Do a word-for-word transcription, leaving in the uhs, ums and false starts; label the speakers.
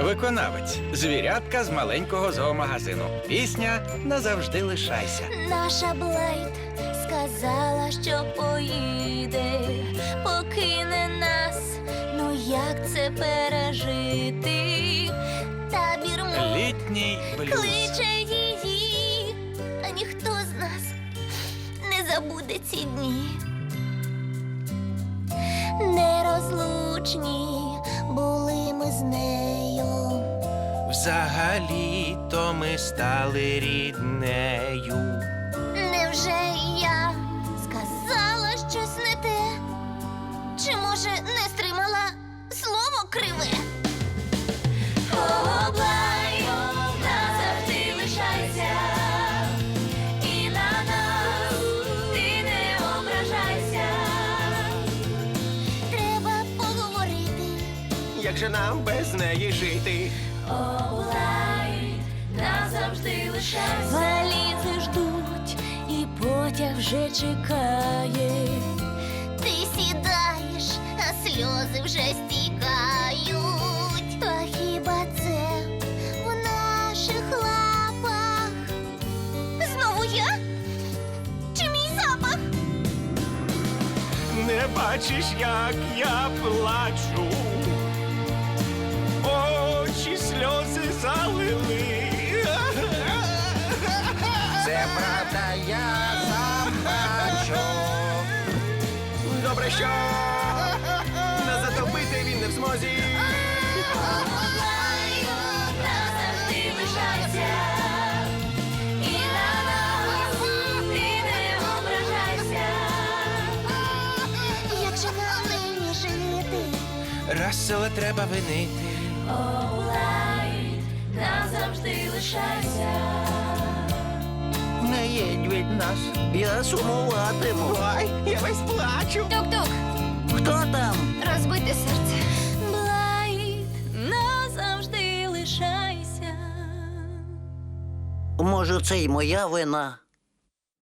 Speaker 1: Виконавець звірятка з маленького зоомагазину. Пісня «Назавжди лишайся».
Speaker 2: Наша Блайт сказала, що поїде, покине нас. Ну як це пережити? Табір мов
Speaker 1: Літній блюз.
Speaker 2: кличе її, а ніхто з нас не забуде ці дні. Нерозлучні були ми з нею.
Speaker 1: Взагалі-то ми стали ріднею.
Speaker 2: Невже я сказала щось не те? Чи, може, не стримала слово криве? О, Блайт, назавжди лишайся, і на нас ти не ображайся. Треба поговорити.
Speaker 1: Як же нам без неї жити?
Speaker 2: О, Блайт, назавжди лишайся. Валізи ждуть, і потяг вже чекає. Ти сідаєш, а сльози вже стікають. Та хіба це в наших лапах? Знову я? Чи мій запах?
Speaker 1: Не бачиш, як я плачу. Очі сльози залили. Це правда, я сам бачу. Добре, що не затопити він не в змозі.
Speaker 2: Назавжди лишайся, і на нас ти не ображайся. Як же нам нині жити?
Speaker 1: Рассела треба винити.
Speaker 2: О, Блайт, назавжди лишайся.
Speaker 3: Не їдь від нас, я сумуватиму.
Speaker 1: Ой, я весь плачу.
Speaker 2: Тук-тук,
Speaker 3: Хто там?
Speaker 2: розбите серце. Блайт, назавжди лишайся.
Speaker 3: Може, це й моя вина?